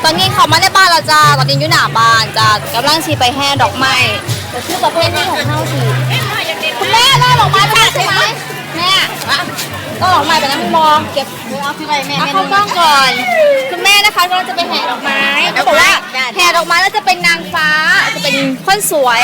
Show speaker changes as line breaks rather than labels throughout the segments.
ตอนนี้เขามาในบ้านเราจ้าตอนนี้อยู่หน้าบ้านจ้ากำลังชีไปแห่ดอกไม้แต่คือประเภทนี้ของเฮาสิคุณแม่ล่อดอกไม้ไปแล้วใช่ไหมแม่ล่อดอกไม้ไปแล้วไม่มองเก็บเอาที่ไรแม่เข้ากล้องก่อนคุณแม่นะคะกำลังจะไปแห่ดอกไม้เขาบอกว่าแห่ดอกไม้แล้วจะเป็นนางฟ้าจะเป็นคนสวย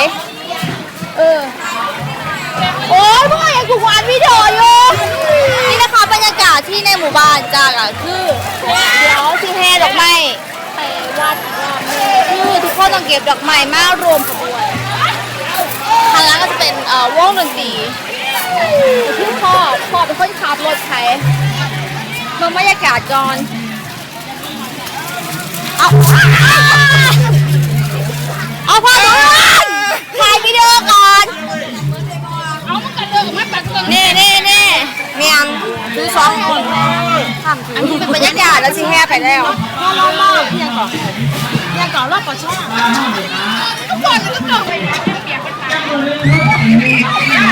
โอ้ยพ่อยังถูกวานวิดีโออยู่นี่นะคะบรรยากาศที่ในหมู่บ้านจ้าก็คือเดี๋ยวที่แห่ดอกไม้ไปวัดคือทุกคนต้องเก็บดอกไม้มารวมขบวนทางนั้นก็จะเป็นวงดนตรีที่พ่อเป็นคนขับรถไถมาบรรยากาศก่อนเอาพ่อก่อนถ่ายวิดีโอก่อนนี่เมียงคือสองคนอันนี้เป็นบรรยากาศแล้วสิแห่ไปแล้วรอบเพียงก่อนรอบก่อนช่องทุกคนไปเปียกเป็นตา